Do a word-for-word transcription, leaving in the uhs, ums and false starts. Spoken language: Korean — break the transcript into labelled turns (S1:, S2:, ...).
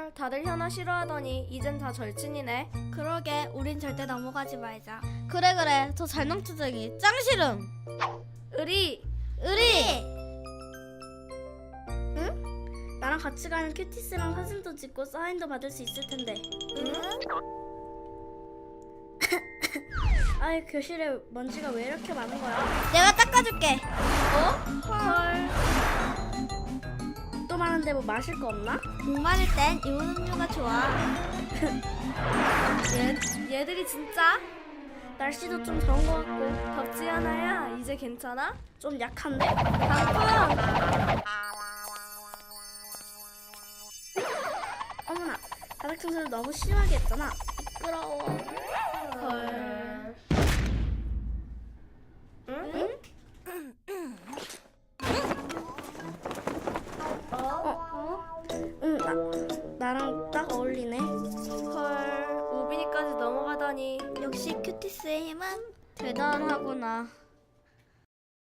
S1: 헐, 다들 현아 싫어하더니 이젠 다 절친이네.
S2: 그러게, 우린 절대 넘어가지 말자. 그래 그래, 저 잘망투쟁이 짱 싫음.
S1: 의리!
S2: 의리! 응? 나랑 같이 가는 큐티스랑 사진도 찍고 사인도 받을 수 있을 텐데.
S1: 응?
S2: 아이, 교실에 먼지가 왜 이렇게 많은 거야? 내가 닦아줄게.
S1: 어? 헐.
S2: 또 많은데 뭐 마실 거 없나? 목 마를 땐 이온 음료가 좋아.
S1: 얘, 얘들이 진짜?
S2: 날씨도 좀 더운 거 같고
S1: 덥지 않아야? 이제 괜찮아?
S2: 좀 약한데?
S1: 방금!
S2: 어머나, 바닥 청소를 너무 심하게 했잖아. 미끄러워.
S1: 헐. 응?
S2: 어? 응, 나, 나랑 딱 어울리네.
S1: 헐, 우빈이까지 넘어가다니.
S2: 역시 큐티스의 힘은 대단하구나.